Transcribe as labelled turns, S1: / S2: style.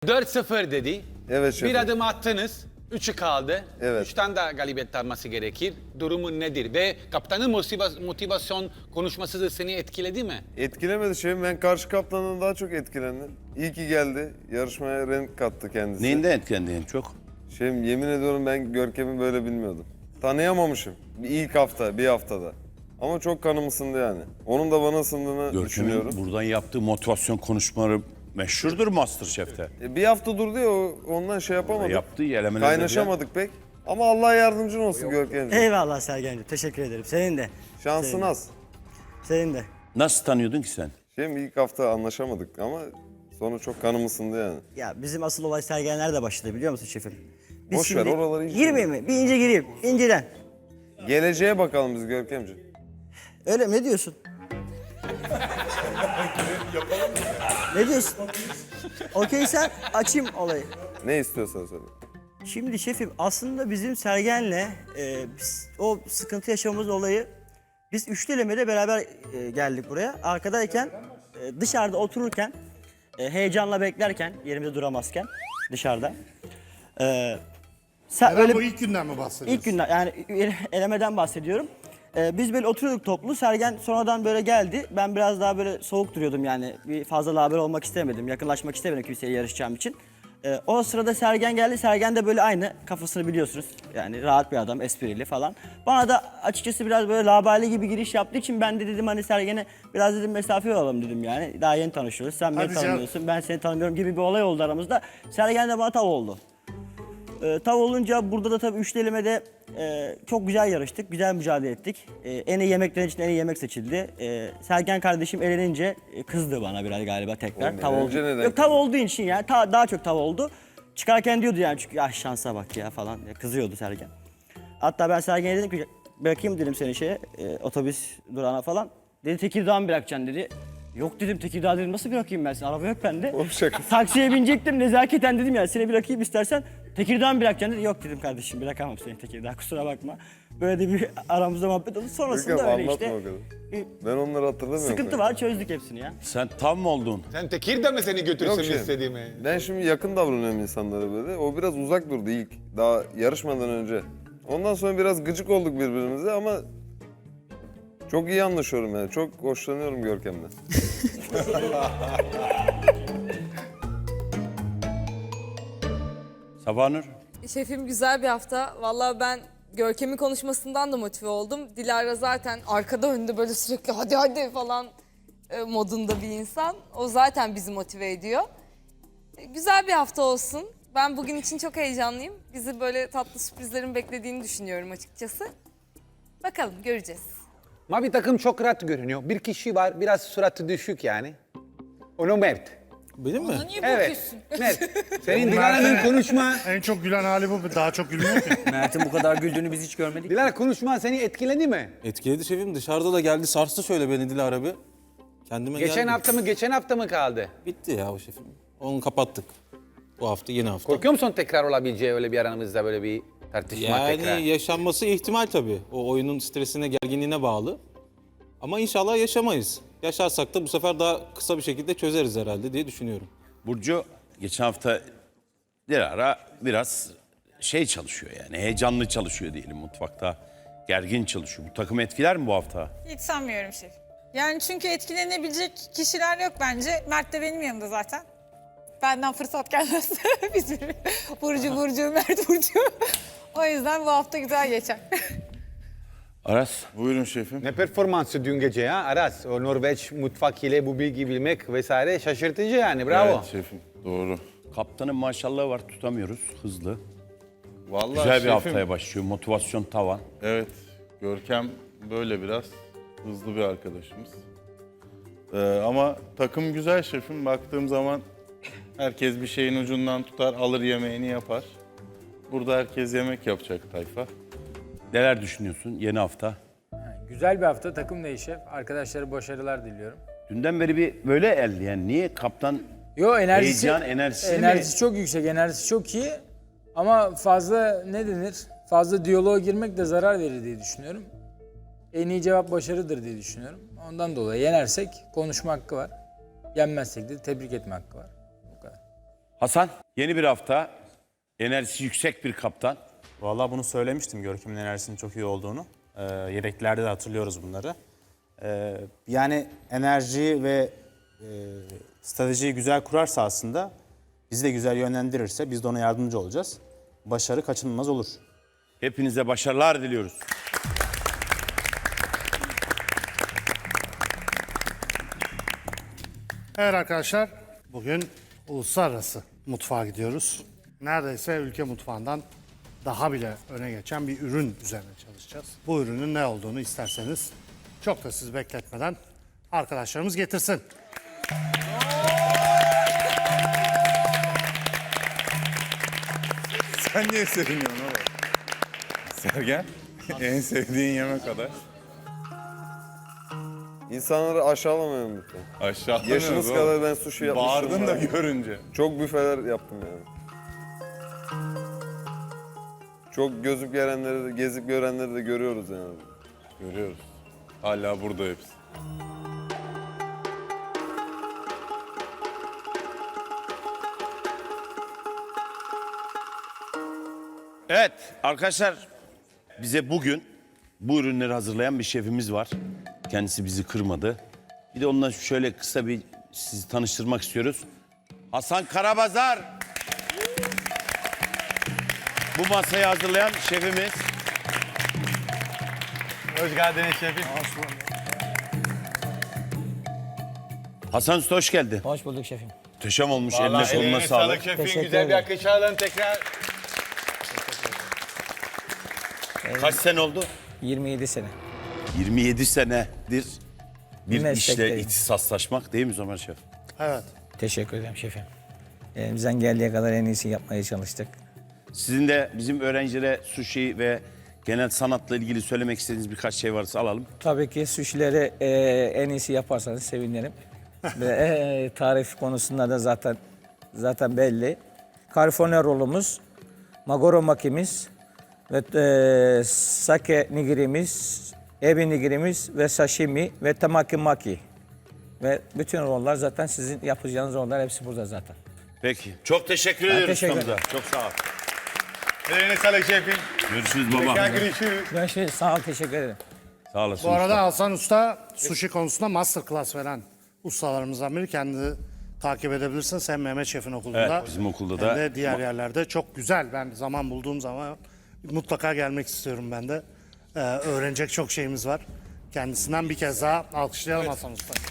S1: 4-0 dedi.
S2: Evet şefim.
S1: Bir adım attınız. 3'ü kaldı.
S2: Evet.
S1: 3'ten de galibiyet alması gerekir. Durumun nedir? Ve kaptanın motivasyon konuşması da seni etkiledi mi?
S2: Etkilemedi şefim. Ben karşı kaptandan daha çok etkilendim. İyi ki geldi. Yarışmaya renk kattı kendisi.
S3: Neyinden etkilendin en çok?
S2: Şefim yemin ediyorum ben Görkem'i böyle bilmiyordum. Tanıyamamışım. Bir haftada. Ama çok kanım ısındı yani. Onun da bana ısındığını düşünüyorum.
S3: Görkem'in buradan yaptığı motivasyon konuşmaları meşhurdur MasterChef'te.
S2: Bir hafta durdu ya ondan şey yapamadık.
S3: Yaptığı elemelerde
S2: Kaynaşamadık pek. Ama Allah yardımcın olsun Görkem'ciğim.
S4: Eyvallah Sergen'ciğim. Teşekkür ederim. Senin de.
S2: Şansın az.
S4: Senin de.
S3: Nasıl tanıyordun ki sen?
S2: Şefim ilk hafta anlaşamadık ama sonra çok kanım ısındı yani.
S4: Ya bizim asıl olay Sergenler'de başladı biliyor musun şefim?
S2: Boş ver, oraları hiç
S4: Girmeyeyim mi? Bir ince gireyim. İnceden.
S2: Geleceğe bakalım biz Görkem'ciğim.
S4: Öyle mi? Ne diyorsun? Ne diyorsun? Okey sen açayım olayı.
S2: Ne istiyorsan söyle.
S4: Şimdi şefim aslında bizim Sergen'le o sıkıntı yaşamamız olayı biz üçlelemede beraber geldik buraya. Arkadayken dışarıda otururken heyecanla beklerken yerimizde duramazken dışarıda. Sen
S5: Öyle bu ilk günden mi bahsediyorsun?
S4: İlk günden yani elemeden bahsediyorum. Biz böyle oturuyorduk toplu. Sergen sonradan böyle geldi. Ben biraz daha böyle soğuk duruyordum yani. Bir fazla laber olmak istemedim. Yakınlaşmak istemedim kimseye yarışacağım için. O sırada Sergen geldi. Sergen de böyle aynı kafasını biliyorsunuz. Yani rahat bir adam, esprili falan. Bana da açıkçası biraz böyle laberli gibi giriş yaptığı için ben de dedim hani Sergen'e biraz dedim mesafe alalım dedim yani. Daha yeni tanışıyoruz. Sen beni
S5: Hadi canım.
S4: tanımıyorsun, ben seni tanımıyorum gibi bir olay oldu aramızda. Sergen de bana tav oldu. Tav olunca burada da tabii üçlelemede çok güzel yarıştık, güzel mücadele ettik. En iyi yemeklerin için en iyi yemek seçildi. Sergen kardeşim elenince kızdı bana biraz galiba tekrar.
S2: Oğlum,
S4: Tav oldu.
S2: elenince neden
S4: Yok tav olduğu için yani daha çok tav oldu. Çıkarken diyordu yani çünkü ah şansa bak ya falan kızıyordu Sergen. Hatta ben Sergen'e dedim ki bırakayım dedim seni otobüs durağına falan. Dedi Tekirdağ'a mı bırakacaksın dedi. Yok dedim Tekirdağ dedim nasıl bırakayım ben seni araba yok bende.
S2: Oğlum şaka.
S4: Taksiye binecektim nezaketen dedim yani seni bırakayım istersen Tekirdağ'a mı bırakacaksın dedi. Yok dedim kardeşim bırakamam seni Tekirdağ kusura bakma. Böyle de bir aramızda muhabbet oldu sonrasında
S2: Görkem
S4: öyle
S2: anlatma
S4: işte.
S2: o kadar. Ben onları hatırlamıyorum.
S4: Sıkıntı var çözdük hepsini ya.
S3: Sen tam mı oldun?
S1: Sen Tekirdağ mı seni götürsün
S2: Yok şefim.
S1: istediğimi?
S2: Ben şimdi yakın davranıyorum insanlara böyle. O biraz uzak durdu ilk. Daha yarışmadan önce. Ondan sonra biraz gıcık olduk birbirimize ama çok iyi anlaşıyorum yani. Çok hoşlanıyorum Görkem'den.
S3: Sabahnur?
S6: Şefim güzel bir hafta. Vallahi ben Görkem'in konuşmasından da motive oldum. Dilara zaten arkada önde böyle sürekli hadi hadi falan modunda bir insan. O zaten bizi motive ediyor. Güzel bir hafta olsun. Ben bugün için çok heyecanlıyım. Bizi böyle tatlı sürprizlerin beklediğini düşünüyorum açıkçası. Bakalım göreceğiz.
S1: Mavi takım çok rahat görünüyor. Bir kişi var biraz suratı düşük yani. Onu Mert.
S7: Benim mi?
S6: Niye
S1: Evet.
S6: bakıyorsun?
S1: Mert. Senin Dilara'nın konuşma...
S5: En çok gülen hali bu. Daha çok gülmüyor ki.
S7: Mert'in bu kadar güldüğünü biz hiç görmedik.
S1: Dilara konuşma seni etkiledi mi?
S7: Etkiledi şefim. Dışarıda da geldi sarstı şöyle beni Dilara bir. Kendime
S1: Geçen hafta mı kaldı?
S7: Bitti ya o şefim. Onu kapattık. Bu hafta yeni hafta.
S1: Korkuyor musun tekrar olabileceği öyle bir aramızda böyle bir tartışma
S7: Yani
S1: tekrar?
S7: yaşanması ihtimal tabii. O oyunun stresine, gerginliğine bağlı. Ama inşallah yaşamayız. Yaşarsak da bu sefer daha kısa bir şekilde çözeriz herhalde diye düşünüyorum.
S3: Burcu geçen hafta Dilara biraz çalışıyor yani heyecanlı çalışıyor diyelim mutfakta. Gergin çalışıyor. Bu takım etkiler mi bu hafta?
S8: Hiç sanmıyorum şef. Yani çünkü etkilenebilecek kişiler yok bence. Mert de benim yanımda zaten. Benden fırsat gelmez. Biz bir Burcu, Mert Burcu. O yüzden bu hafta güzel geçer.
S3: Aras?
S2: Buyurun şefim.
S1: Ne performansı dün gece ya Aras? O Norveç mutfak ile bu bilgi bilmek vesaire şaşırtıcı yani bravo.
S2: şefim doğru.
S3: Kaptanın maşallahı var tutamıyoruz hızlı.
S9: Vallahi
S3: Güzel bir
S9: şefim,
S3: haftaya başlıyor motivasyon tavan.
S9: Evet, Görkem böyle biraz hızlı bir arkadaşımız. Ama takım güzel şefim. Baktığım zaman herkes bir şeyin ucundan tutar, alır yemeğini yapar. Burada herkes yemek yapacak tayfa.
S3: Neler düşünüyorsun yeni hafta?
S10: Güzel bir hafta, takım değişi. Arkadaşlara başarılar diliyorum.
S3: Dünden beri bir böyle el yani niye kaptan
S10: Enerjisi
S3: heyecan
S10: çok yüksek, enerjisi çok iyi. Ama fazla fazla diyaloğa girmek de zarar verir diye düşünüyorum. En iyi cevap başarıdır diye düşünüyorum. Ondan dolayı yenersek konuşma hakkı var. Yenmezsek de tebrik etme hakkı var. Bu kadar.
S3: Hasan, yeni bir hafta, enerjisi yüksek bir kaptan.
S11: Vallahi bunu söylemiştim Görkem'in enerjisinin çok iyi olduğunu. Yedeklerde de hatırlıyoruz bunları. Yani enerjiyi ve stratejiyi güzel kurarsa aslında bizi de güzel yönlendirirse biz de ona yardımcı olacağız. Başarı kaçınılmaz olur.
S3: Hepinize başarılar diliyoruz.
S5: Evet arkadaşlar, bugün uluslararası mutfağa gidiyoruz. Neredeyse ülke mutfağından daha bile öne geçen bir ürün üzerine çalışacağız. Bu ürünün ne olduğunu isterseniz çok da sizi bekletmeden arkadaşlarımız getirsin.
S9: Sen niye seviniyorsun oğlum? Sergen, en sevdiğin yemek kadar.
S2: İnsanları aşağılamayın lütfen.
S9: Aşağılanıyoruz
S2: Yaşınız
S9: oğlum.
S2: kadar ben sushi yapmıştım.
S9: Bağırdın da
S2: ben.
S9: görünce.
S2: Çok büfeler yaptım yani. Çok gözüp gelenleri de, gezip görenleri de görüyoruz yani.
S9: Görüyoruz. Hala burada hepsi.
S3: Evet arkadaşlar, bize bugün bu ürünleri hazırlayan bir şefimiz var. Kendisi bizi kırmadı. Bir de onunla şöyle kısa bir sizi tanıştırmak istiyoruz. Hasan Karabazar. Bu masayı hazırlayan şefimiz.
S1: Hoş geldiniz şefim.
S3: Hasan Usta hoş geldin.
S4: Hoş bulduk şefim.
S3: Muhteşem olmuş. Eline koluna sağlık.
S1: şefim.
S4: Teşekkür
S1: Güzel bir
S4: ederim.
S1: alkış alalım tekrar.
S3: Kaç sene oldu?
S4: 27 sene.
S3: 27 senedir bir işle
S4: Meslekteyim.
S3: ihtisaslaşmak değil mi Ömer Şef?
S5: Evet.
S4: Teşekkür ederim şefim. Elimizden geldiği kadar en iyisi yapmaya çalıştık.
S3: Sizin de bizim öğrencilere sushi ve genel sanatla ilgili söylemek istediğiniz birkaç şey varsa alalım.
S4: Tabii ki suşileri en iyisi yaparsanız sevinirim. Ve tarif konusunda da zaten belli. California rolumuz, magoro makimiz ve sake nigirimiz, ebi nigirimiz ve sashimi ve tamaki maki. Ve bütün roller zaten sizin yapacağınız roller hepsi burada zaten.
S3: Peki. Çok teşekkür ediyoruz
S4: teşekkür
S3: ustamıza. Çok sağ ol.
S1: Eline sağlık şefim.
S3: Görüşürüz baba.
S1: Görüşürüz.
S4: Görüşürüz. Sağ ol, teşekkür ederim.
S3: Sağ olasın.
S5: Bu arada
S3: usta.
S5: Hasan Usta sushi konusunda masterclass veren ustalarımızdan biri. Kendini takip edebilirsiniz. Hem Mehmet Şef'in okulunda
S3: Evet, bizim okulda
S5: hem
S3: da.
S5: de diğer yerlerde. Çok güzel. Ben zaman bulduğum zaman mutlaka gelmek istiyorum ben de. Öğrenecek çok şeyimiz var. Kendisinden bir kez daha alkışlayalım Hasan Usta.